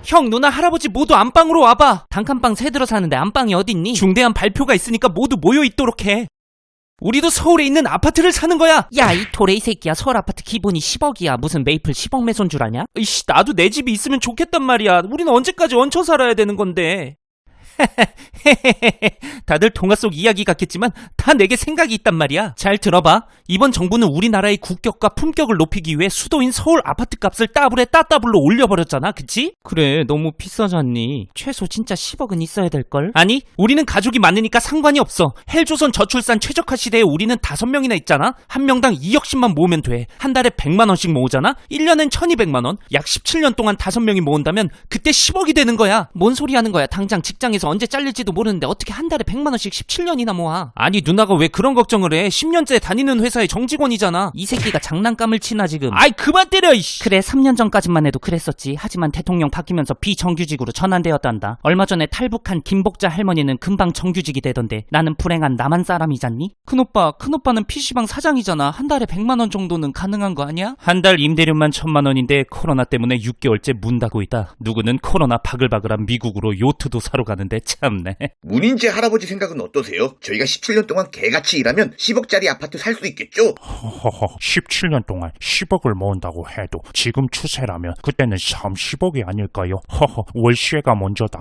형, 누나, 할아버지 모두 안방으로 와봐. 단칸방 새 들어 사는데 안방이 어딨니? 중대한 발표가 있으니까 모두 모여있도록 해. 우리도 서울에 있는 아파트를 사는 거야. 야, 이 도레이 새끼야. 서울 아파트 기본이 10억이야. 무슨 메이플 10억 매소인 줄 아냐? 이씨, 나도 내 집이 있으면 좋겠단 말이야. 우리는 언제까지 얹혀 살아야 되는 건데. 다들 동화 속 이야기 같겠지만 다 내게 생각이 있단 말이야. 잘 들어봐. 이번 정부는 우리나라의 국격과 품격을 높이기 위해 수도인 서울 아파트 값을 따블에 따따블로 올려버렸잖아. 그치? 그래, 너무 비싸잖니. 최소 진짜 10억은 있어야 될걸? 아니, 우리는 가족이 많으니까 상관이 없어. 헬조선 저출산 최적화 시대에 우리는 5명이나 있잖아. 한 명당 2억씩만 모으면 돼. 한 달에 100만원씩 모으잖아. 1년엔 1200만원. 약 17년 동안 5명이 모은다면 그때 10억이 되는 거야. 뭔 소리 하는 거야. 당장 직장에서 언제 잘릴지도 모르는데 어떻게 한 달에 100만원씩 17년이나 모아. 아니, 누나가 왜 그런 걱정을 해? 10년째 다니는 회사의 정직원이잖아. 이 새끼가 장난감을 치나 지금. 아이, 그만 때려 이씨. 그래, 3년 전까지만 해도 그랬었지. 하지만 대통령 바뀌면서 비정규직으로 전환되었단다. 얼마 전에 탈북한 김복자 할머니는 금방 정규직이 되던데 나는 불행한 남한 사람이잖니? 큰오빠는 PC방 사장이잖아. 한 달에 100만원 정도는 가능한 거 아니야? 한 달 임대료만 1000만원인데 코로나 때문에 6개월째 문 닫고 있다. 누구는 코로나 바글바글한 미국으로 요트도 사러 가는데 참네. 문인재 할아버지 생각은 어떠세요? 저희가 17년 동안 개같이 일하면 10억짜리 아파트 살 수 있겠죠? 허허허, 17년 동안 10억을 모은다고 해도 지금 추세라면 그때는 30억이 아닐까요? 허허, 월세가 먼저다.